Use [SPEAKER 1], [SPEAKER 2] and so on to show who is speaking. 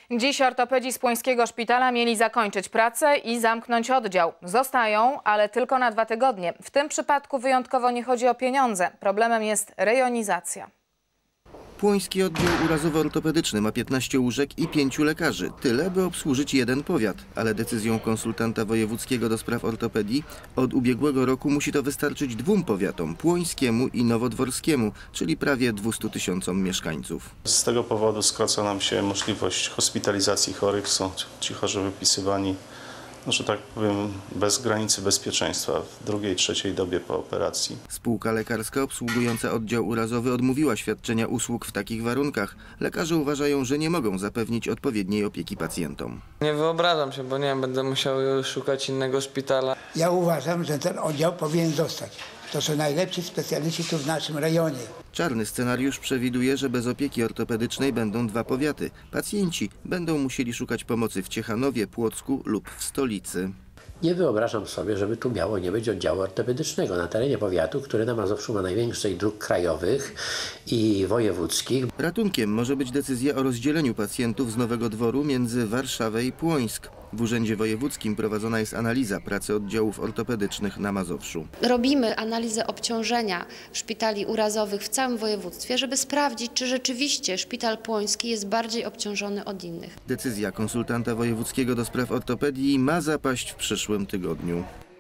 [SPEAKER 1] Dziś ortopedzi z Płońskiego Szpitala mieli zakończyć pracę i zamknąć oddział. Zostają, ale tylko na 2 tygodnie. W tym przypadku wyjątkowo nie chodzi o pieniądze. Problemem jest rejonizacja.
[SPEAKER 2] Płoński oddział urazowo-ortopedyczny ma 15 łóżek i 5 lekarzy. Tyle, by obsłużyć jeden powiat. Ale decyzją konsultanta wojewódzkiego do spraw ortopedii od ubiegłego roku musi to wystarczyć 2 powiatom, płońskiemu i nowodworskiemu, czyli prawie 200 000 mieszkańców.
[SPEAKER 3] Z tego powodu skraca nam się możliwość hospitalizacji chorych. Są ci chorzy wypisywani, że tak powiem, bez granicy bezpieczeństwa w drugiej, trzeciej dobie po operacji.
[SPEAKER 2] Spółka lekarska obsługująca oddział urazowy odmówiła świadczenia usług w takich warunkach. Lekarze uważają, że nie mogą zapewnić odpowiedniej opieki pacjentom.
[SPEAKER 4] Nie wyobrażam się, bo nie wiem, będę musiał szukać innego szpitala.
[SPEAKER 5] Ja uważam, że ten oddział powinien zostać. To są najlepsi specjaliści tu w naszym rejonie.
[SPEAKER 2] Czarny scenariusz przewiduje, że bez opieki ortopedycznej będą 2 powiaty. Pacjenci będą musieli szukać pomocy w Ciechanowie, Płocku lub w stolicy.
[SPEAKER 6] Nie wyobrażam sobie, żeby tu miało nie być oddziału ortopedycznego na terenie powiatu, który na Mazowszu ma najwięcej dróg krajowych i wojewódzkich.
[SPEAKER 2] Ratunkiem może być decyzja o rozdzieleniu pacjentów z Nowego Dworu między Warszawę i Płońsk. W Urzędzie Wojewódzkim prowadzona jest analiza pracy oddziałów ortopedycznych na Mazowszu.
[SPEAKER 7] Robimy analizę obciążenia szpitali urazowych w całym województwie, żeby sprawdzić, czy rzeczywiście szpital płoński jest bardziej obciążony od innych.
[SPEAKER 2] Decyzja konsultanta wojewódzkiego do spraw ortopedii ma zapaść w przyszłym tygodniu.